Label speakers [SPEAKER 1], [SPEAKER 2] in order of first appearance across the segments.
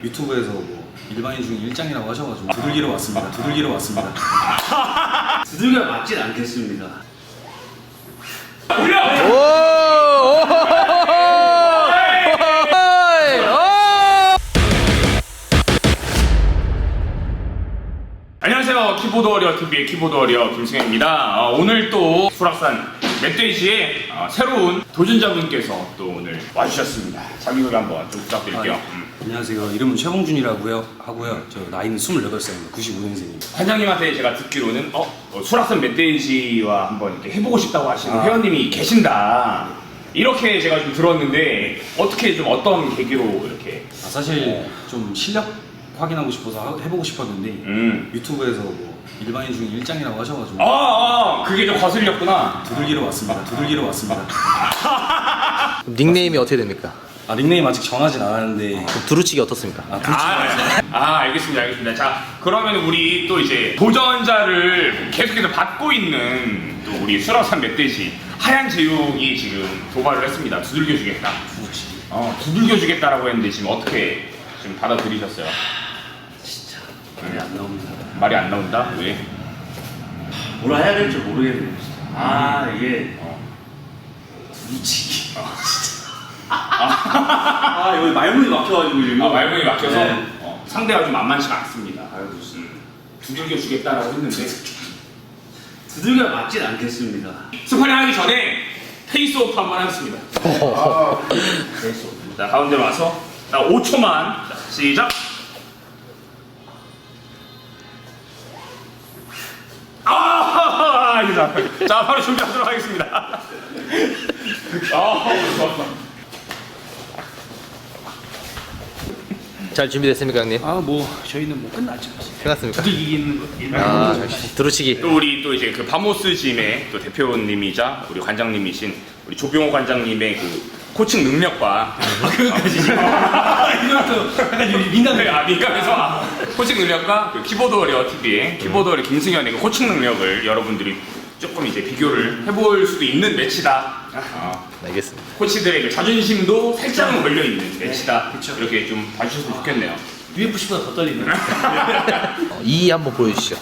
[SPEAKER 1] 유튜브에서 뭐 일반인 중에 일장이라고 하셔가지고 두들기러 왔습니다. 두들기러 왔습니다.
[SPEAKER 2] 두들겨 맞진 않겠습니다.
[SPEAKER 3] 안녕하세요. 키보드 워리어 TV의 키보드 워리어 김승현입니다. 오늘 또 수락산 멧돼지의 새로운 도전자분께서 또 오늘 와주셨습니다. 자기소개 한번 좀 부탁드릴게요.
[SPEAKER 1] 안녕하세요. 이름은 최봉준이라고 하고요. 저 나이는 28살입니다. 95년생입니다.
[SPEAKER 3] 관장님한테 제가 듣기로는 수락산 멧돼지와 한번 이렇게 해보고 싶다고 하시는 회원님이 계신다. 이렇게 제가 좀 들었는데 어떻게 좀 어떤 계기로 이렇게?
[SPEAKER 1] 사실 좀 실력 확인하고 싶어서 해보고 싶었는데 유튜브에서 뭐 일반인 중에 일장이라고 하셔가지고
[SPEAKER 3] 그게 좀 거슬렸구나.
[SPEAKER 1] 두들기러 왔습니다. 두들기러 왔습니다.
[SPEAKER 4] 닉네임이 어떻게 됩니까?
[SPEAKER 1] 닉네임 아직 정하진 않았는데
[SPEAKER 4] 그럼 두루치기 어떻습니까?
[SPEAKER 3] 알겠습니다. 자, 그러면 우리 또 이제 도전자를 계속해서 받고 있는 또 우리 수락산 멧돼지 하얀 제육이 지금 도발을 했습니다. 두들겨 주겠다. 두들겨 주겠다라고 했는데 지금 어떻게 지금 받아들이셨어요?
[SPEAKER 2] 진짜 말이 안 나옵니다.
[SPEAKER 3] 말이 안 나온다? 왜?
[SPEAKER 2] 뭐라 해야 될지 모르겠네요. 진짜. 이게 두루치기. 여기 말문이 막혀가지고 지금.
[SPEAKER 3] 말문이 막혀서
[SPEAKER 2] 네.
[SPEAKER 3] 상대가 좀 만만치가 않습니다. 두들겨 주겠다라고 했는데
[SPEAKER 2] 두들겨 맞진 않겠습니다.
[SPEAKER 3] 스파링 하기 전에 페이스오프 한번 하겠습니다. 페이스오프. 자, 가운데로 와서 5초만. 자, 시작. 자, 바로 준비하도록 하겠습니다. 좋았어.
[SPEAKER 4] 잘 준비됐습니까, 형님?
[SPEAKER 1] 뭐 저희는 뭐 끝났죠.
[SPEAKER 4] 끝났습니까?
[SPEAKER 1] 이기는 거.
[SPEAKER 4] 두루치기.
[SPEAKER 3] 또 우리 또 이제 그 바모스 짐의 또 대표님이자 우리 관장님이신 우리 조병호 관장님의 그 코칭 능력과
[SPEAKER 1] 그것까지 이것도 약간 민감해요.
[SPEAKER 3] 민감해서 코칭 능력과 그 키보드 워리어 TV의 키보드 워리어 김승현의 그 코칭 능력을 여러분들이 조금 이제 비교를 해볼 수도 있는 매치다.
[SPEAKER 4] 알겠습니다.
[SPEAKER 3] 코치들의 그 자존심도 살짝은 걸려 있는 매치다. 이렇게 좀 봐주셨으면 좋겠네요.
[SPEAKER 1] UFC보다 더 떨리네.
[SPEAKER 4] 2 한번 보여주시죠.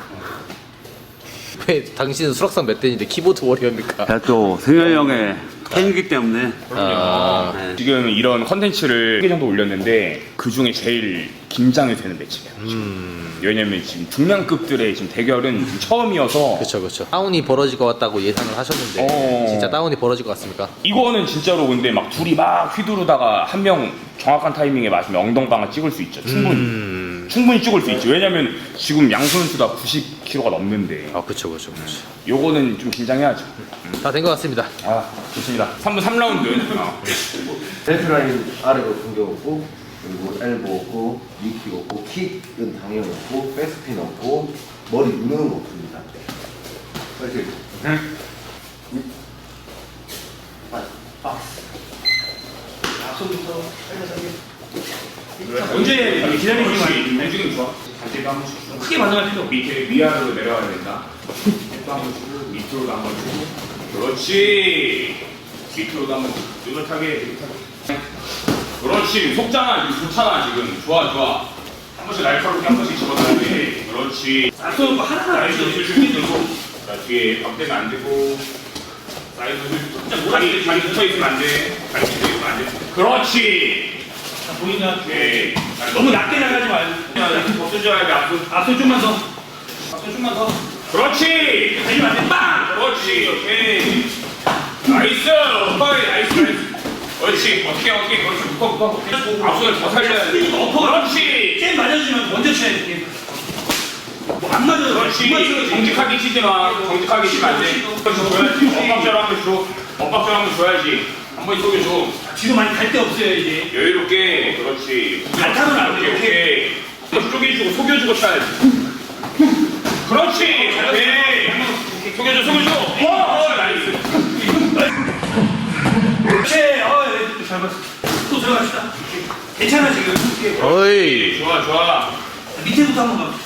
[SPEAKER 4] 왜 당신은 수락산 멧돼지인데 키보드 워리어입니까?
[SPEAKER 2] 제가 또 승현이 형의 팬이기 때문에.
[SPEAKER 4] 네.
[SPEAKER 3] 지금 이런 컨텐츠를 3개 정도 올렸는데 그 중에 제일 긴장이 되는 매치예요. 왜냐면 지금 중량급들의 지금 대결은 지금 처음이어서
[SPEAKER 4] 그렇죠. 다운이 벌어질 것 같다고 예상을 하셨는데 진짜 다운이 벌어질 것 같습니까?
[SPEAKER 3] 이거는 진짜로 근데 막 둘이 막 휘두르다가 한 명 정확한 타이밍에 맞으면 엉덩방아 찍을 수 있죠. 충분히 찍을 수 있죠. 왜냐면 지금 양 선수 다 90kg가 넘는데
[SPEAKER 4] 그렇죠.
[SPEAKER 3] 요거는 좀 긴장해야죠.
[SPEAKER 4] 다 된 것 같습니다.
[SPEAKER 3] 좋습니다. 3분 3라운드.
[SPEAKER 5] 벨트라인 아래로 당겨오고 그리고 엘보 없고 니킥 없고 킥은 당연히 없고 백스핀 없고 머리 누르는 거 없습니다. 이렇게
[SPEAKER 1] 앞서부터
[SPEAKER 3] 언제 기다리기만 움직임 좋아. 반대도 한 번씩 주고. 크게 반응할 필요 없고 밑에 위아래로 내려가야 된다. 또 한 번 주고 밑으로도 한 번 주고. 그렇지. 밑으로도 한 번 주고. 느긋하게. 그렇지. 속잖아. 지금 좋잖아. 지금 좋아. 한 번씩 날카롭게 한 번씩 집어넣어야 돼. 그렇지. 쏘는 거 하나하나 알죠. 줄줄줄 들고. 자, 뒤에 박대면 안 되고. 사이드 다리 붙어있으면 안 돼. 다리 붙어있으면 안 돼. 그렇지.
[SPEAKER 1] 보이냐?
[SPEAKER 3] 오케이.
[SPEAKER 1] 너무 낮게 나가지 말고.
[SPEAKER 3] 이렇게 벗겨줘야 돼.
[SPEAKER 1] 앞서 좀만 더. 앞서 좀만 더.
[SPEAKER 3] 그렇지.
[SPEAKER 1] 달리면 안 돼. 빵!
[SPEAKER 3] 그렇지. 오케이. 나이스. 나이스. 그렇지. 어떻게. 그렇지. 묶어. 앞손을 더 살려야 돼. 그렇지.
[SPEAKER 1] 게임 맞아주면 먼저 쳐야 돼. 뭐안 맞아도
[SPEAKER 3] 그렇지. 정직하게 치지 마. 정직하게 치면 안 돼. 줘야지. 엇박자로 한번 줘. 엇박자로 한번 줘야지. 한번 속여줘.
[SPEAKER 1] 뒤로 많이 갈 데 없어요 이제.
[SPEAKER 3] 여유롭게. 그렇지.
[SPEAKER 1] 갈타는 안 돼.
[SPEAKER 3] 오케이. 쪼개주고 속여주고 쳐야지. 그렇지. 오케이. 속여줘. 나이스.
[SPEAKER 1] 그렇지. 잘 봤어. 또 들어갑시다. 괜찮아 지금.
[SPEAKER 4] 어이.
[SPEAKER 3] 좋아.
[SPEAKER 1] 밑에부터 한번 가.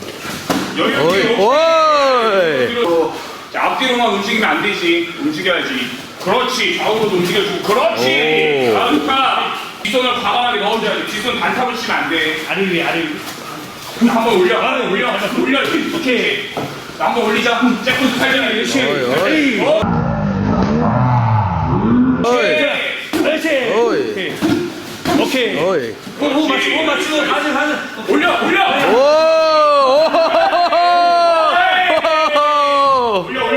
[SPEAKER 4] 어이.
[SPEAKER 3] 자, 앞뒤로만 움직이면 안 되지. 움직여야지. 그렇지. 좌우로도 움직여주고. 그렇지. 좋다. 뒷손을 과감하게 넣어줘야 돼. 뒷손 반탑을 치면 안 돼. 아래 위에. 한번 올려. 오케이. 한번 올리자. 잭포트 살려야 돼.
[SPEAKER 4] 어이, 어이.
[SPEAKER 3] 그렇지.
[SPEAKER 4] 어이.
[SPEAKER 3] 오케이.
[SPEAKER 4] 어이.
[SPEAKER 3] 호 맞추고. 가자. 올려.
[SPEAKER 4] 오!
[SPEAKER 3] 올려.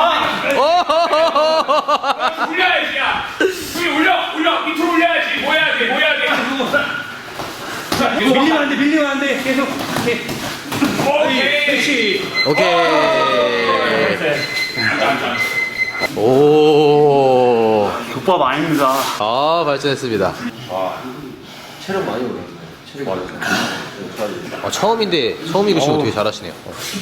[SPEAKER 3] 올려야지, 야. 여기 올려. 밑으로 올려야지. 모여야 돼. 자,
[SPEAKER 1] 밀리면 안 돼. 계속.
[SPEAKER 3] 오케이.
[SPEAKER 1] 그렇지.
[SPEAKER 4] 오케이.
[SPEAKER 3] 앉아.
[SPEAKER 4] 오.
[SPEAKER 2] 국밥 아닙니다.
[SPEAKER 4] 아, 발전했습니다.
[SPEAKER 5] 체력 많이 오르네. 체력 많이 오르네.
[SPEAKER 4] 아, 처음이고 지금 되게 잘하시네요.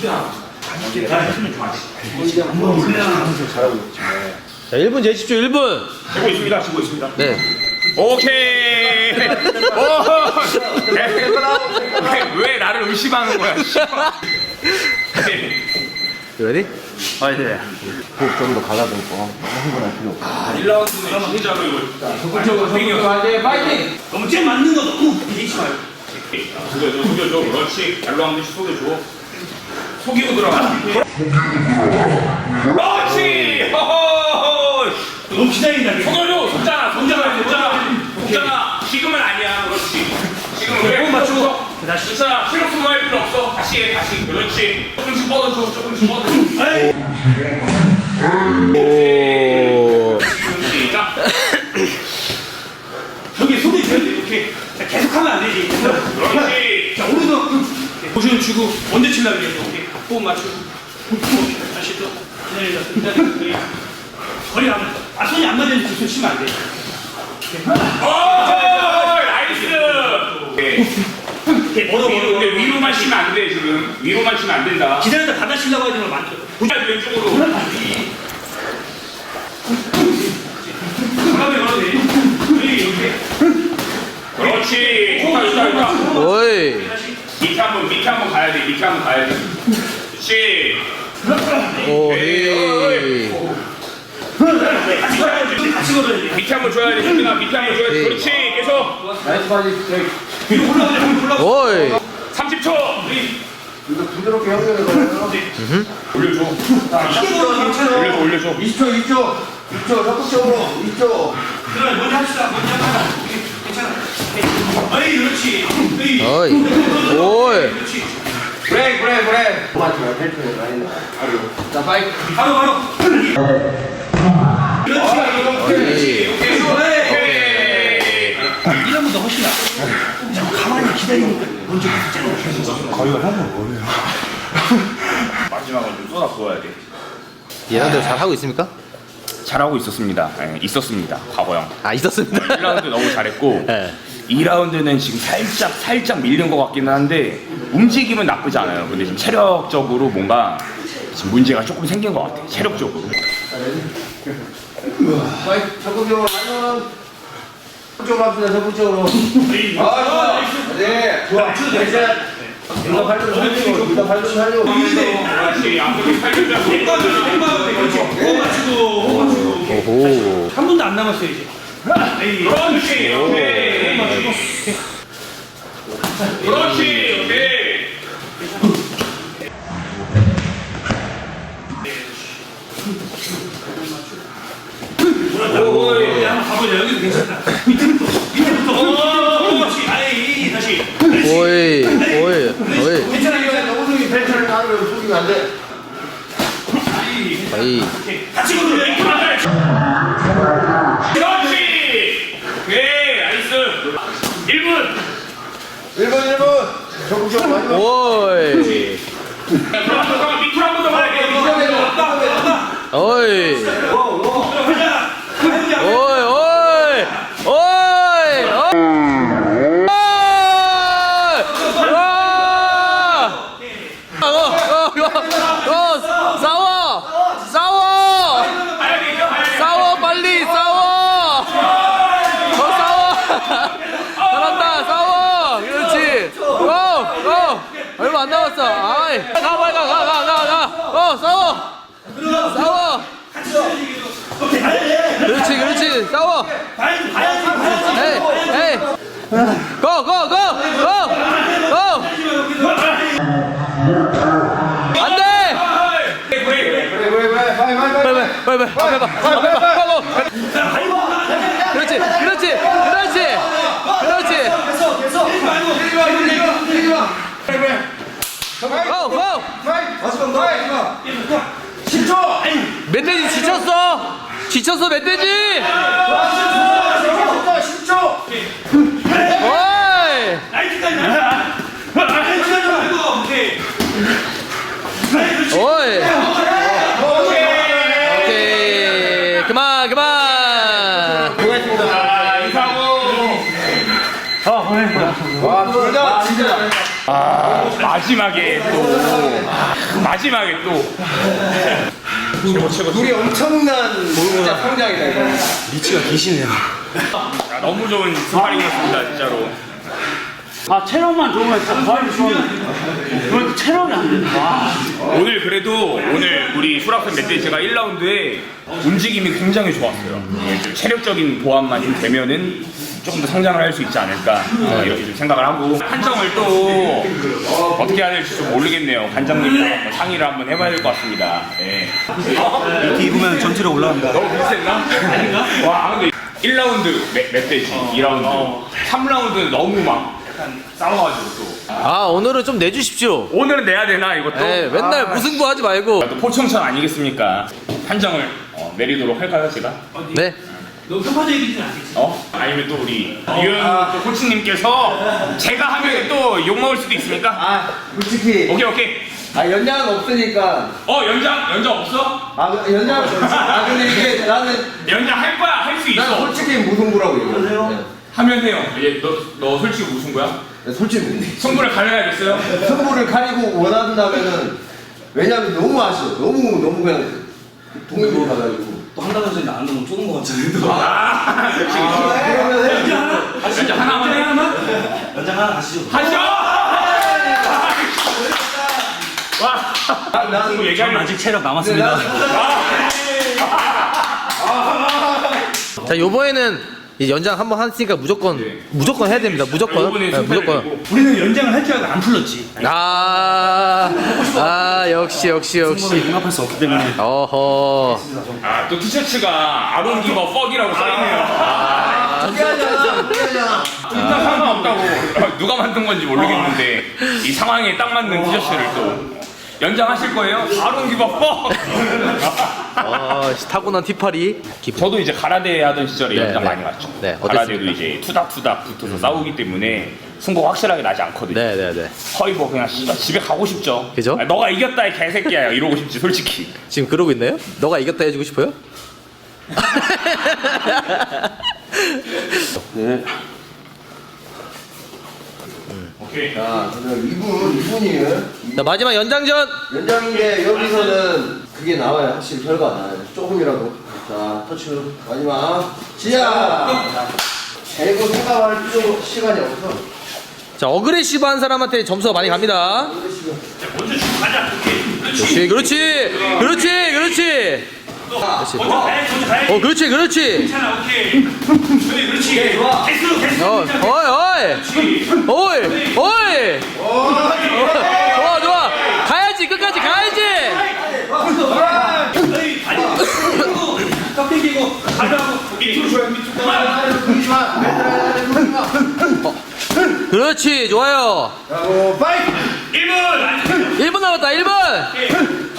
[SPEAKER 5] 잘하고 있지.
[SPEAKER 4] 자, 1분 재십시오, 1분.
[SPEAKER 3] 지고 있습니다.
[SPEAKER 4] 네.
[SPEAKER 3] 오케이. 왜 나를 의심하는 거야?
[SPEAKER 4] You ready?
[SPEAKER 5] 호흡 좀 더 가다듬고 흥분할 필요 없고.
[SPEAKER 3] 1라운드는 진짜로 이거
[SPEAKER 1] 파이팅. 너무 쟤 맞는 거 너무 비리지 말고.
[SPEAKER 3] 속여줘. 그렇지. 발로 한 번씩 속여줘. 속이고 들어가. 그렇지. 허허.
[SPEAKER 1] 너무 기다린다.
[SPEAKER 3] 속여줘. 속잖아. 지금은 아니야. 그렇지. 지금은 그래.
[SPEAKER 1] 호흡 맞추고.
[SPEAKER 3] 다시. 괜찮아. 체력 소모할 필요 없어. 다시 해. 그렇지. 조금씩 뻗어줘.
[SPEAKER 4] 오.
[SPEAKER 3] 시작.
[SPEAKER 1] 여기 손이 돼야 돼. 이렇게. 자, 계속 하면 안 되지.
[SPEAKER 3] 그렇지.
[SPEAKER 1] 자, 오른손 포지션 주고 언제 칠라 그래. 오케이. 호흡 맞추고. 다시 또 기다려. 거리 안 맞아. 손이 안 맞으면 두손 치면 안 돼.
[SPEAKER 3] 나이스. 오케이. 근데 위로만 치면 안 돼, 지금. 위로만 치면 안 된다.
[SPEAKER 1] 기다렸다 받아 치려고 하지 마. 만져.
[SPEAKER 3] 왼쪽으로.
[SPEAKER 1] 가만히 걸어도 돼. 이렇게.
[SPEAKER 3] 그렇지. 좋다.
[SPEAKER 4] 오이.
[SPEAKER 3] 밑에 한번 가야 돼. 그렇지.
[SPEAKER 4] 오이.
[SPEAKER 1] 같이 걸어야 돼.
[SPEAKER 3] 밑에 한번 줘야 돼. 밑에 한번 줘야 돼. 그렇지. 계속.
[SPEAKER 5] 나이스 바디 스트레이트.
[SPEAKER 1] 위로 올라가자.
[SPEAKER 4] 오이.
[SPEAKER 3] 30초.
[SPEAKER 5] 이거 부드럽게 연결해 봐요.
[SPEAKER 3] 올려줘.
[SPEAKER 1] 크게 걸어도 괜찮아.
[SPEAKER 3] 올려줘.
[SPEAKER 5] 20초. 적극적으로 2초.
[SPEAKER 1] 그래, 먼저 합시다. 괜찮아. 어이, 그렇지.
[SPEAKER 4] 어이. 오이.
[SPEAKER 1] 그렇지.
[SPEAKER 5] 브레이크. 맞지마 펠트에 라인. 자 파이트.
[SPEAKER 1] 바로. 그렇지.
[SPEAKER 4] 오이.
[SPEAKER 3] 오케이.
[SPEAKER 1] 이런 것도 훨씬 나. 가만히 기다리니까 먼저
[SPEAKER 3] 마지막으로 좀 쏟아 부어야 돼.
[SPEAKER 4] 얘네들 잘 하고 있습니까?
[SPEAKER 3] 잘하고 있었습니다. 있었습니다. 과거형.
[SPEAKER 4] 아, 있었습니다.
[SPEAKER 3] 1라운드 너무 잘했고
[SPEAKER 4] 네.
[SPEAKER 3] 2라운드는 지금 살짝 밀린 것 같기는 한데 움직임은 나쁘지 않아요. 근데 지금 체력적으로 뭔가 지금 문제가 조금 생긴 것 같아요. 체력적으로.
[SPEAKER 5] 파이트 적극적으로 라인. 적극적으로 합시다. 적극적으로. 좋아. 네. 좋아. 둘다 발전 살려.
[SPEAKER 3] 그렇지. 앞으로 살려주고.
[SPEAKER 1] 호흡 맞추고.
[SPEAKER 4] 오호.
[SPEAKER 1] 3분도 안 남았어요, 이제.
[SPEAKER 3] 그렇지. 오케이. 그렇지. 오케이.
[SPEAKER 1] 오이. 한번 가보자. 여기도 괜찮다. 밑에부터. 그렇지. 아이, 다시.
[SPEAKER 4] 오이. 오이.
[SPEAKER 5] 괜찮아. 너무 속이 벨트를 가르면 속이면 안 돼.
[SPEAKER 4] 아이.
[SPEAKER 1] 같이 걸어야 돼.
[SPEAKER 3] 그렇지. 오케이. 나이스. 1분.
[SPEAKER 5] 1분. 적극적으로 많이 넣어.
[SPEAKER 4] 오이.
[SPEAKER 3] 밑으로 한 번 더 가야 돼.
[SPEAKER 4] 오이.
[SPEAKER 1] 가자. 가자.
[SPEAKER 4] 오이. 오이. 싸워 빨리 싸워. 더 싸워. 잘한다 싸워. 그렇지. 고. 얼마 안 남았어. 아이. 가 빨리 가. 싸워. 그렇지 싸워.
[SPEAKER 1] 봐야지.
[SPEAKER 4] 에이. 고, 고, 고, 고, 고. 안 돼. 빨리. 그렇지. 고, 고. 멧돼지 지쳤어 멧돼지. 어이. 어이. 오케이. 그만.
[SPEAKER 3] 마지막에 또
[SPEAKER 5] 둘이 엄청난 진짜 성장이다 이거.
[SPEAKER 1] 리치가 기시네요.
[SPEAKER 3] 너무 좋은 스파링이었습니다 진짜로.
[SPEAKER 1] 아 체력만 좋으면 진짜 부활이 좋았는데 그런데 체력이 안 된다.
[SPEAKER 3] 오늘 그래도 우리 수락산 멧돼지가 1라운드에 움직임이 굉장히 좋았어요. 좀 체력적인 보완만 좀 되면은 조금 더 성장을 할 수 있지 않을까 이렇게 좀 생각을 하고 판정을 또 어떻게 해야 될지 좀 모르겠네요. 관장님과 상의를 한번 해봐야 될 것 같습니다. 네.
[SPEAKER 1] 이렇게 입으면 전체로 올라간다.
[SPEAKER 3] 너무 비슷했나? 아닌가? 와 근데 1라운드 멧돼지, 2라운드, 3라운드는 너무 막 약간 싸워가지고 또
[SPEAKER 4] 아 오늘은 좀 내주십시오.
[SPEAKER 3] 오늘은 내야 되나 이것도?
[SPEAKER 4] 네, 맨날 무승부 하지 말고.
[SPEAKER 3] 또 포청천 아니겠습니까? 판정을 내리도록 할까요 제가?
[SPEAKER 4] 네.
[SPEAKER 1] 너무 편파적 얘기는 않겠지?
[SPEAKER 3] 아니면 또 우리 유현 또 코치님께서 제가 하면 또 욕먹을 수도 있으니까
[SPEAKER 5] 솔직히
[SPEAKER 3] 오케이
[SPEAKER 5] 연장은 없으니까
[SPEAKER 3] 연장 없어?
[SPEAKER 5] 연장 근데 이게 나는
[SPEAKER 3] 연장 할 거야 할 수 있어
[SPEAKER 5] 솔직히 무승부라고 얘기해요.
[SPEAKER 3] 하면 해요. 너 솔직히 무슨 거야?
[SPEAKER 5] 솔직히
[SPEAKER 3] 승부를 가려야겠어요?
[SPEAKER 5] 승부를 가리고 원한다면은 왜냐면 너무 아쉬워. 너무 그냥 동의로 가가지고
[SPEAKER 1] 또 한 달 전에 나안 넣으면 쪼는 거 같잖아요.
[SPEAKER 5] 그러면
[SPEAKER 3] 연장 하나만 해?
[SPEAKER 1] 연장 하나 가시죠.
[SPEAKER 3] 하시죠! 와!
[SPEAKER 5] 나는
[SPEAKER 3] 승부
[SPEAKER 1] 전
[SPEAKER 3] 얘기하면
[SPEAKER 1] 아직 체력 남았습니다.
[SPEAKER 4] 자 요번에는 이제 연장 한번 했으니까 무조건 해야 됩니다. 무조건.
[SPEAKER 3] 이번에
[SPEAKER 4] 네, 무조건.
[SPEAKER 1] 우리는 연장을 할 줄 알고 안 풀렀지.
[SPEAKER 4] 역시.
[SPEAKER 1] 용납할 수 없기 때문에.
[SPEAKER 4] 어허.
[SPEAKER 3] 또 티셔츠가 아론 기버 퍽이라고 써있네요.
[SPEAKER 5] 피하잖아.
[SPEAKER 3] 진짜 상관없다고 누가 만든 건지 모르겠는데 이 상황에 딱 맞는 티셔츠를 또 연장하실 거예요? 아론 기버 퍽!
[SPEAKER 4] 타고난 티파리.
[SPEAKER 3] 저도 이제 가라데 하던 시절에
[SPEAKER 4] 네,
[SPEAKER 3] 연장
[SPEAKER 4] 네.
[SPEAKER 3] 많이 갔죠.
[SPEAKER 4] 네,
[SPEAKER 3] 가라데도
[SPEAKER 4] 어땠습니까?
[SPEAKER 3] 이제 투닥투닥 붙어서 싸우기 때문에 승부가 확실하게 나지 않거든요.
[SPEAKER 4] 네네네.
[SPEAKER 3] 거의 뭐 그냥 씨발 집에 가고 싶죠.
[SPEAKER 4] 그죠?
[SPEAKER 3] 아니, 너가 이겼다 이 개새끼야 이러고 싶지 솔직히.
[SPEAKER 4] 지금 그러고 있나요? 너가 이겼다 해주고 싶어요?
[SPEAKER 5] 네.
[SPEAKER 3] 오케이.
[SPEAKER 5] 자, 그럼 2분이에요.
[SPEAKER 4] 자 마지막 연장전.
[SPEAKER 5] 연장인데 여기서는 그게 나와요. 확실히 결과가 나와요. 조금이라도. 자, 터치 마지막 시작. 재고 생각할 시간이 없어.
[SPEAKER 4] 자 어그레시브한 사람한테 점수가 많이 갑니다.
[SPEAKER 1] 먼저 주고 가자.
[SPEAKER 4] 그렇지.
[SPEAKER 1] 먼저 가야지.
[SPEAKER 4] 그렇지.
[SPEAKER 1] 괜찮아, 오케이. 그렇지. 좋아. 개수.
[SPEAKER 4] 어이. 좋아. 가야지. 끝까지 가야지.
[SPEAKER 1] 아니, 깍대기고 가져가고 밑으로 줘야 밑으로.
[SPEAKER 4] 그렇지. 좋아요.
[SPEAKER 5] 자, 파이트!
[SPEAKER 1] 1분.
[SPEAKER 4] 1분 남았다. 1분.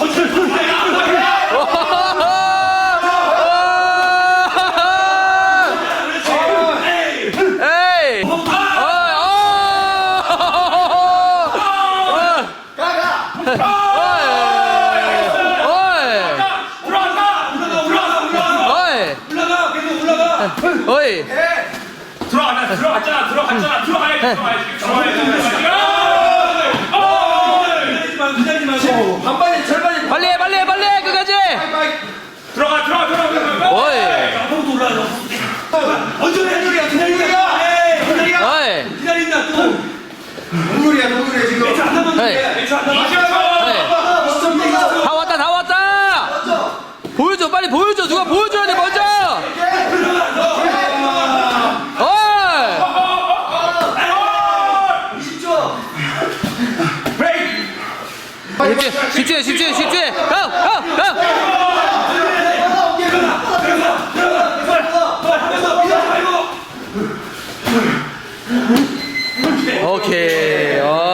[SPEAKER 4] 에이. 어이.
[SPEAKER 1] 기다리지 마시고.
[SPEAKER 5] 반반이 절반이
[SPEAKER 4] 빨리 해 끝까지.
[SPEAKER 3] 들어가.
[SPEAKER 4] 어이.
[SPEAKER 1] 아무도 올라가. 먼저 해. 기다린다 또.
[SPEAKER 5] 동물이야 지금.
[SPEAKER 1] 매주 안 남았는데.
[SPEAKER 4] 에이.
[SPEAKER 1] 매주 안 남았는데.
[SPEAKER 4] 다 왔다. 보여줘. 빨리 보여줘. 누가 보여줘야 돼 먼저. 집중해. 가. 오케이.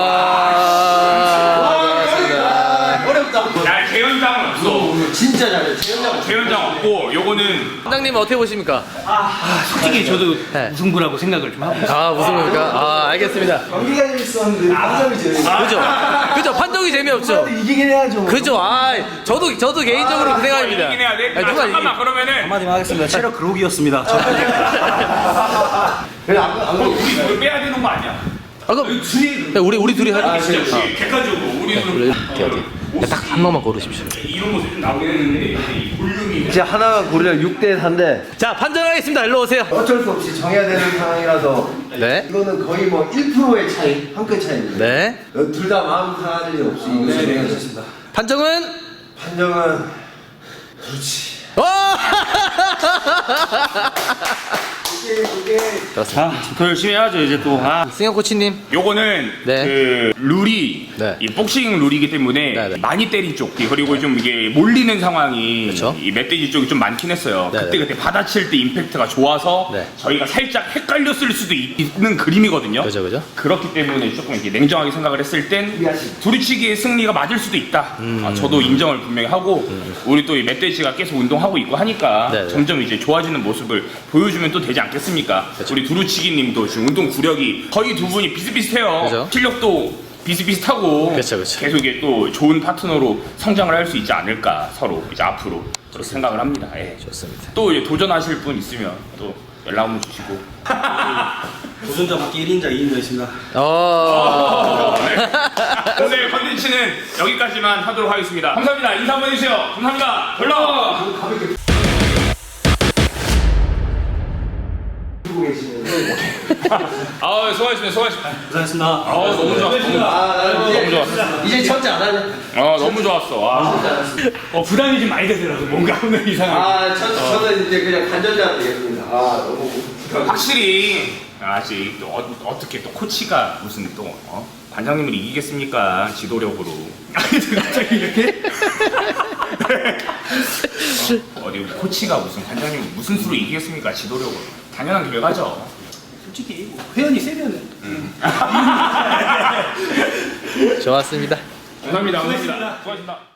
[SPEAKER 3] 야, 재현장은 없어.
[SPEAKER 5] 진짜 잘해. 재현장.
[SPEAKER 3] 재현장 없고, 요거는
[SPEAKER 4] 원장님 어떻게 보십니까?
[SPEAKER 1] 솔직히 저도
[SPEAKER 4] 네.
[SPEAKER 1] 무승부라고 생각을 좀 하고 있어요.
[SPEAKER 4] 아 무슨 겁니까? 아 알겠습니다.
[SPEAKER 5] 경기가 재밌었는데 판정이 재밌어.
[SPEAKER 4] 그죠? 판정이 재미없죠.
[SPEAKER 5] 이기긴 해야죠.
[SPEAKER 4] 그죠? 아 저도 개인적으로 그 생각입니다.
[SPEAKER 3] 이기긴 해야 돼?
[SPEAKER 4] 아니, 누가
[SPEAKER 3] 잠깐만, 그러면은.
[SPEAKER 1] 한마디만 하겠습니다. 체력 그룹이었습니다.
[SPEAKER 5] 그래 안 그러고.
[SPEAKER 3] 우리 뭘 빼야 되는 거 아니야?
[SPEAKER 4] 그럼 우리 둘이 할.
[SPEAKER 3] 진짜 혹시 객관적으로 우리는
[SPEAKER 4] 딱 한 번만 고르십시오.
[SPEAKER 3] 이런 모습이 좀 나오긴 했는데 이 볼륨이
[SPEAKER 5] 이제 하나가 고르려 6대 4인데
[SPEAKER 4] 자 판정하겠습니다. 일로 오세요.
[SPEAKER 5] 어쩔 수 없이 정해야 되는 상황이라서
[SPEAKER 4] 네.
[SPEAKER 5] 이거는 거의 뭐 1%의 차이, 한 끗 차이입니다.
[SPEAKER 4] 네.
[SPEAKER 5] 둘 다 마음 상할 일 없이 이거 좋습니다.
[SPEAKER 4] 판정은
[SPEAKER 5] 판정은 그렇지.
[SPEAKER 4] 그렇습니다.
[SPEAKER 2] 더 열심히 해야죠 이제 또.
[SPEAKER 4] 승현 코치님.
[SPEAKER 3] 요거는
[SPEAKER 4] 네.
[SPEAKER 3] 그 룰이
[SPEAKER 4] 네.
[SPEAKER 3] 이 복싱 룰이기 때문에
[SPEAKER 4] 네, 네.
[SPEAKER 3] 많이 때린 쪽 그리고 좀 이게 몰리는 상황이
[SPEAKER 4] 그쵸.
[SPEAKER 3] 이 멧돼지 쪽이 좀 많긴 했어요.
[SPEAKER 4] 네,
[SPEAKER 3] 그때 받아칠 때 임팩트가 좋아서
[SPEAKER 4] 네.
[SPEAKER 3] 저희가 살짝 헷갈렸을 수도 있는 그림이거든요.
[SPEAKER 4] 그죠.
[SPEAKER 3] 그렇기 때문에 조금 이렇게 냉정하게 생각을 했을 땐 두루치기의 승리가 맞을 수도 있다. 저도 인정을 분명히 하고 우리 또 이 멧돼지가 계속 운동하고 있고 하니까
[SPEAKER 4] 네, 네.
[SPEAKER 3] 점점 이제 좋아지는 모습을 보여주면 또 되지 않겠습니까? 우리 두루치기님도 지금 운동 구력이 거의 두 분이 비슷비슷해요.
[SPEAKER 4] 그죠.
[SPEAKER 3] 실력도 비슷비슷하고
[SPEAKER 4] 그쵸.
[SPEAKER 3] 계속 이게 또 좋은 파트너로 성장을 할 수 있지 않을까 서로 이제 앞으로 그렇게 생각을 합니다. 예.
[SPEAKER 4] 좋습니다.
[SPEAKER 3] 또 이제 도전하실 분 있으면 또 연락 한번 주시고.
[SPEAKER 1] 도전자 밖에 1인자 2인자 있습니다.
[SPEAKER 3] 오늘 컨텐츠는 여기까지만 하도록 하겠습니다. 감사합니다. 인사 한번 해주세요. 감사합니다. 별로. 아, 수고하셨습니다.
[SPEAKER 1] 고생하셨습니다.
[SPEAKER 3] 너무 좋았어. 너무 좋았어.
[SPEAKER 5] 이제 첫째 안 하냐?
[SPEAKER 3] 너무 좋았어.
[SPEAKER 1] 부담이 좀 많이 되더라고. 뭔가 오늘 이상하게.
[SPEAKER 5] 저는 이제 그냥 간전자로 되겠습니다. 너무
[SPEAKER 3] 확실히 아직 또 어떻게 또 코치가 무슨 또 관장님을 이기겠습니까? 지도력으로.
[SPEAKER 1] 갑자기 이렇게?
[SPEAKER 3] 어디 우리 코치가 무슨 관장님을 무슨 수로 이기겠습니까? 지도력으로. 당연한 결과죠.
[SPEAKER 1] 솔직히 회원이 세면은
[SPEAKER 4] 좋았습니다.
[SPEAKER 3] 감사합니다. 수고하셨습니다.